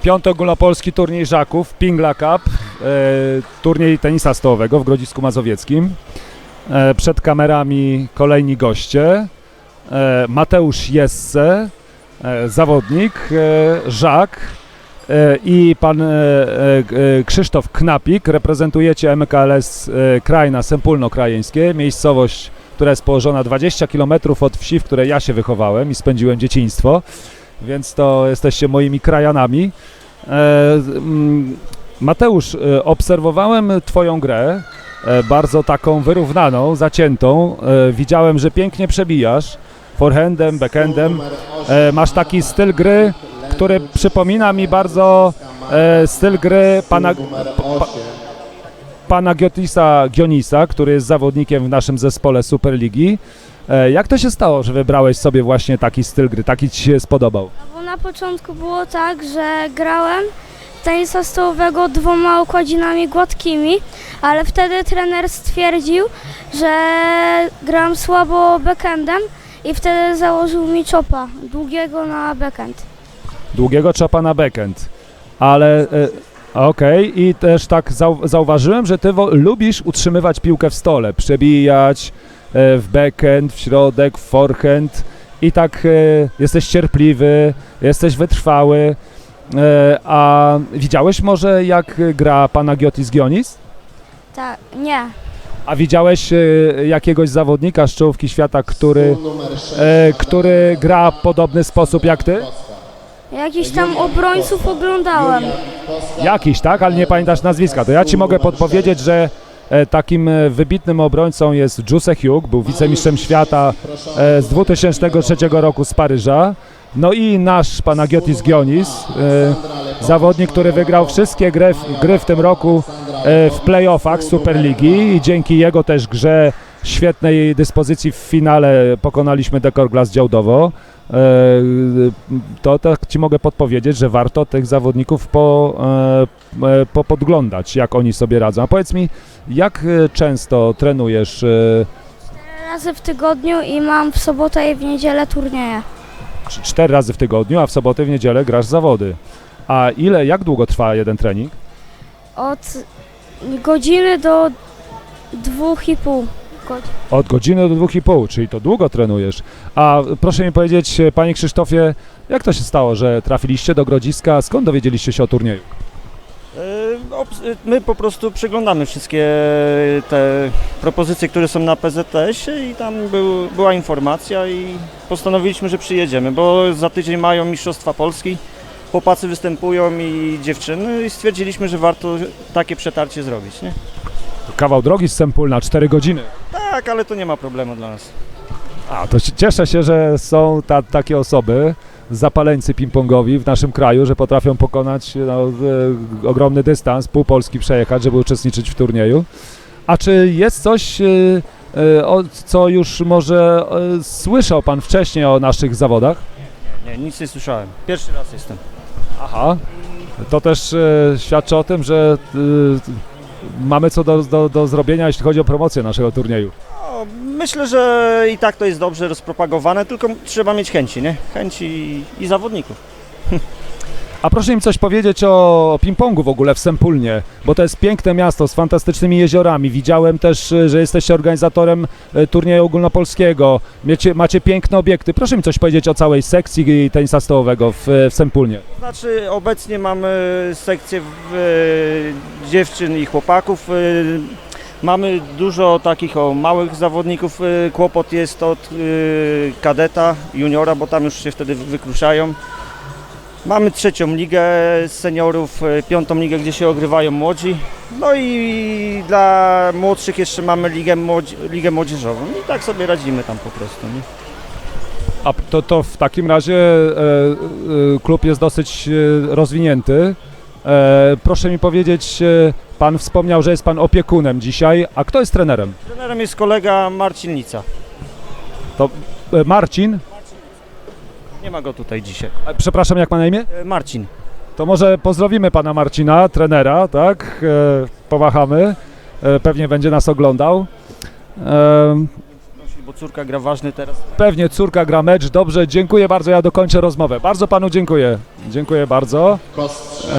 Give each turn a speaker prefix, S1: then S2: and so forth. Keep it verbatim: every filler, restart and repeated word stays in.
S1: Piąty ogólnopolski turniej żaków, Pingla Cup, e, turniej tenisa stołowego w Grodzisku Mazowieckim. E, przed kamerami kolejni goście. E, Mateusz Jesse, e, zawodnik, e, żak e, i pan e, e, Krzysztof Knapik. Reprezentujecie M K L S e, Krajna Sępólno-Krajeńskie, miejscowość, która jest położona dwadzieścia kilometrów od wsi, w której ja się wychowałem i spędziłem dzieciństwo. Więc to jesteście moimi krajanami. E, Mateusz, e, obserwowałem twoją grę, e, bardzo taką wyrównaną, zaciętą. E, widziałem, że pięknie przebijasz forehandem, backhandem. E, masz taki styl gry, który przypomina mi bardzo e, styl gry pana, pa, pana Giotisa Gionisa, który jest zawodnikiem w naszym zespole Superligi. Jak to się stało, że wybrałeś sobie właśnie taki styl gry, taki ci się spodobał?
S2: Bo na początku było tak, że grałem tenisa stołowego dwoma układzinami gładkimi, ale wtedy trener stwierdził, że gram słabo backhandem i wtedy założył mi chopa długiego na backhand.
S1: Długiego chopa na backhand, ale e, okej, okay. I też tak zau zauważyłem, że ty lubisz utrzymywać piłkę w stole, przebijać w backhand, w środek, w forehand i tak e, jesteś cierpliwy, jesteś wytrwały. E, a widziałeś może, jak gra pana Giotis Gionis?
S2: Tak, nie.
S1: A widziałeś e, jakiegoś zawodnika z czołówki świata, który, e, który gra w podobny sposób jak ty?
S2: Jakiś tam obrońców oglądałem.
S1: Jakiś, tak? Ale nie pamiętasz nazwiska. To ja ci mogę podpowiedzieć, że takim wybitnym obrońcą jest Giuse Hugh, był wicemistrzem świata z dwa tysiące trzeciego roku z Paryża. No i nasz Panagiotis Gionis, zawodnik, który wygrał wszystkie gry, gry w tym roku w playoffach Superligi i dzięki jego też grze, świetnej dyspozycji w finale pokonaliśmy Dekor Glass Działdowo. To tak ci mogę podpowiedzieć, że warto tych zawodników po, po podglądać, jak oni sobie radzą. A powiedz mi, jak często trenujesz?
S2: Cztery razy w tygodniu i mam w sobotę i w niedzielę turnieje.
S1: Cztery razy w tygodniu, a w sobotę i w niedzielę grasz zawody. A ile, jak długo trwa jeden trening?
S2: Od godziny do dwóch i pół godziny.
S1: Od godziny do dwóch i pół, czyli to długo trenujesz. A proszę mi powiedzieć, panie Krzysztofie, jak to się stało, że trafiliście do Grodziska? Skąd dowiedzieliście się o turnieju?
S3: My po prostu przeglądamy wszystkie te propozycje, które są na P Z S-ie i tam był, była informacja i postanowiliśmy, że przyjedziemy, bo za tydzień mają Mistrzostwa Polski, chłopacy występują i dziewczyny i stwierdziliśmy, że warto takie przetarcie zrobić, nie?
S1: Kawał drogi z Sępólna, cztery godziny.
S3: Tak, ale to nie ma problemu dla nas.
S1: A, to cieszę się, że są ta, takie osoby, zapaleńcy ping-pongowi w naszym kraju, że potrafią pokonać no, e, ogromny dystans, pół Polski przejechać, żeby uczestniczyć w turnieju. A czy jest coś, e, e, o, co już może e, słyszał pan wcześniej o naszych zawodach?
S3: Nie, nic nie słyszałem. Pierwszy raz jestem.
S1: Aha, to też e, świadczy o tym, że e, mamy co do, do, do zrobienia, jeśli chodzi o promocję naszego turnieju.
S3: No, myślę, że i tak to jest dobrze rozpropagowane, tylko trzeba mieć chęci, nie? Chęci i, i zawodników.
S1: A proszę mi coś powiedzieć o ping-pongu w ogóle w Sępólnie, bo to jest piękne miasto z fantastycznymi jeziorami. Widziałem też, że jesteście organizatorem turnieju ogólnopolskiego. Macie, macie piękne obiekty. Proszę mi coś powiedzieć o całej sekcji tenisa stołowego w, w Sępólnie.
S3: Znaczy, obecnie mamy sekcję w, e, dziewczyn i chłopaków. E, mamy dużo takich o małych zawodników. E, kłopot jest od e, kadeta, juniora, bo tam już się wtedy wykruszają. Mamy trzecią ligę seniorów, piątą ligę, gdzie się ogrywają młodzi. No i dla młodszych jeszcze mamy ligę, młodzi, ligę młodzieżową. I tak sobie radzimy tam po prostu. Nie?
S1: A to, to w takim razie e, e, klub jest dosyć e, rozwinięty. E, proszę mi powiedzieć, e, pan wspomniał, że jest pan opiekunem dzisiaj, a kto jest trenerem?
S3: Trenerem jest kolega Marcin Nica.
S1: To e, Marcin?
S3: Nie ma go tutaj dzisiaj.
S1: E, przepraszam, jak ma na imię?
S3: E, Marcin.
S1: To może pozdrowimy pana Marcina, trenera, tak? E, pomachamy. E, pewnie będzie nas oglądał. E,
S3: Bo bo córka gra ważny teraz.
S1: Pewnie córka gra mecz. Dobrze, dziękuję bardzo. Ja dokończę rozmowę. Bardzo panu dziękuję. Dziękuję bardzo.